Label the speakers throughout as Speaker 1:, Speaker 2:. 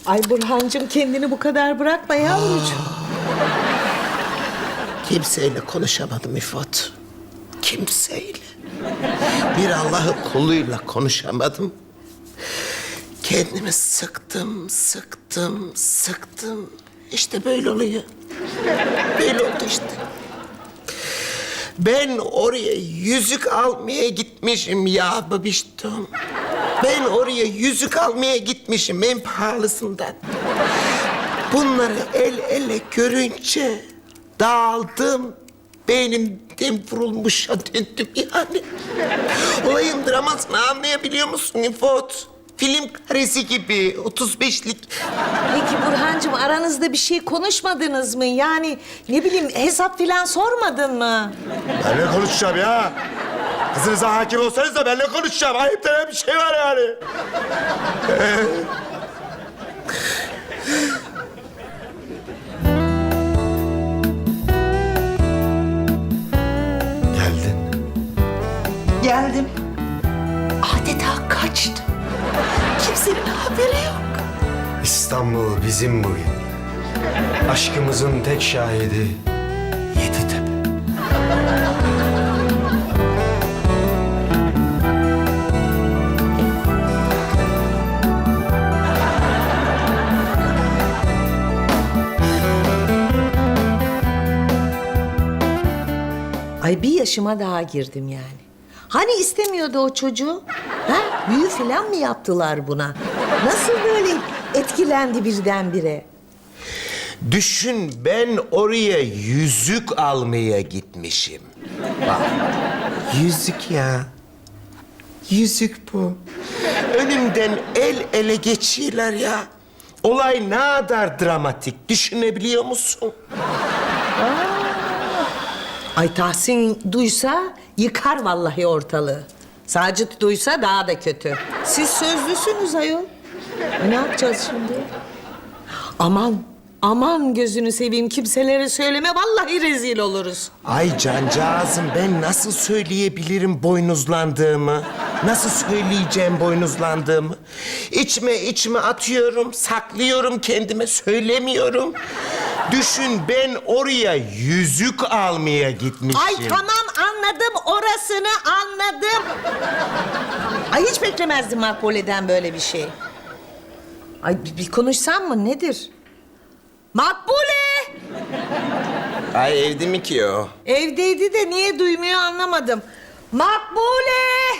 Speaker 1: Ay Burhancığım kendini bu kadar bırakma yavrucuğum.
Speaker 2: Kimseyle konuşamadım İfot. Kimseyle. Bir Allah'ın kuluyla konuşamadım. Kendimi sıktım. İşte böyle oluyor. Böyle oldu işte. Ben oraya yüzük almaya gitmişim ya babiştom. Ben oraya yüzük almaya gitmişim en pahalısından. Bunları el ele görünce dağıldım. Beynimden vurulmuşa döndüm yani. Olayın dramasını anlayabiliyor musun İfot? Film karesi gibi 35'lik.
Speaker 1: Peki Burhancığım aranızda bir şey konuşmadınız mı? Yani ne bileyim hesap filan sormadın mı?
Speaker 3: Ben ne konuşacağım ya? Kızınıza hakim olsanız da ben ne konuşacağım? Ayıp denen bir şey var yani. Geldin.
Speaker 2: Geldim. Adeta kaçtım. Kimsenin haberi yok.
Speaker 3: İstanbul bizim bugün. Aşkımızın tek şahidi Yeditepe.
Speaker 1: Ay bir yaşıma daha girdim yani. Hani istemiyordu o çocuğu? Ha? Büyü falan mı yaptılar buna? Nasıl böyle etkilendi birdenbire?
Speaker 2: Düşün ben oraya yüzük almaya gitmişim. Bak, yüzük ya. Yüzük bu. Önümden el ele geçiyorlar ya. Olay ne kadar dramatik düşünebiliyor musun?
Speaker 1: Ay Tahsin duysa yıkar vallahi ortalığı. Sacit duysa daha da kötü. Siz sözlüsünüz ayol. Ne yapacağız şimdi? Aman gözünü seveyim kimselere söyleme vallahi rezil oluruz.
Speaker 2: Ay cancağızım ben nasıl söyleyebilirim boynuzlandığımı? Nasıl söyleyeceğim boynuzlandığımı? İçime atıyorum, saklıyorum kendime, söylemiyorum. Düşün ben oraya yüzük almaya gitmişim.
Speaker 1: Ay tamam anladım orasını anladım. Ay hiç beklemezdim Makbule'den böyle bir şey. Ay bir konuşsam mı nedir? Makbule!
Speaker 2: Ay evde mi ki o?
Speaker 1: Evdeydi de niye duymuyor anlamadım. Makbule!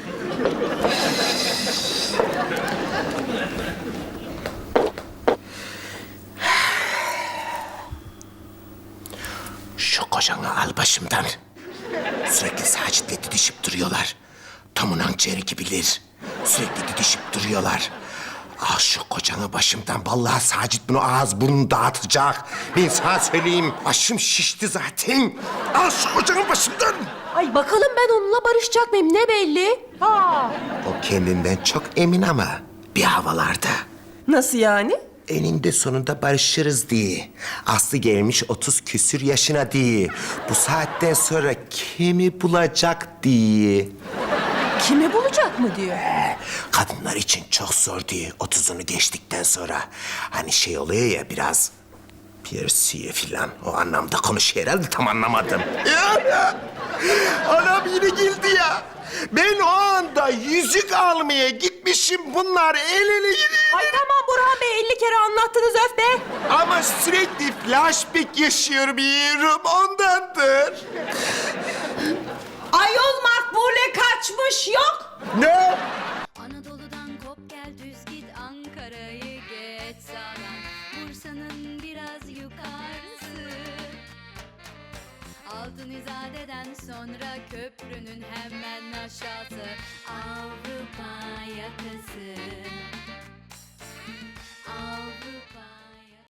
Speaker 2: Şu kocanı al başımdan. Sürekli Sacit'le didişip duruyorlar. Tamunan ciğeri gibiler. Sürekli didişip duruyorlar. Al şu kocanı başımdan. Vallahi Sacit bunu ağız burnunu dağıtacak. Ben sana söyleyeyim. Başım şişti zaten. Al şu kocanı başımdan.
Speaker 4: Ay bakalım ben onunla barışacak mıyım ne belli? Ha.
Speaker 2: O kendinden çok emin ama bir havalarda.
Speaker 4: Nasıl yani?
Speaker 2: Eninde sonunda barışırız diye. Aslı gelmiş 30 küsür yaşına diye. Bu saatten sonra kimi bulacak diye.
Speaker 4: Kimi bulacak mı diyor.
Speaker 2: Kadınlar için çok zor diye 30'unu geçtikten sonra. Hani şey oluyor ya biraz piersiye filan. O anlamda konuşuyor herhalde tam anlamadım. Ya. Anam yine geldi ya. Ben o anda yüzük almaya gitmişim. Bunlar el ele gidiyor.
Speaker 4: Ay tamam Burhan Bey 50 kere anlattınız öf be.
Speaker 2: Ama sürekli flashback yaşıyorum yiyorum ondandır.
Speaker 1: Ayol Makbule kaçmış yok.
Speaker 2: Ne?
Speaker 5: Anadolu'dan kop gel düz git Ankara'yı geç sağdan Bursa'nın biraz yukarısı Altın İzade'den sonra köprünün hemen aşağısı Avrupa yakası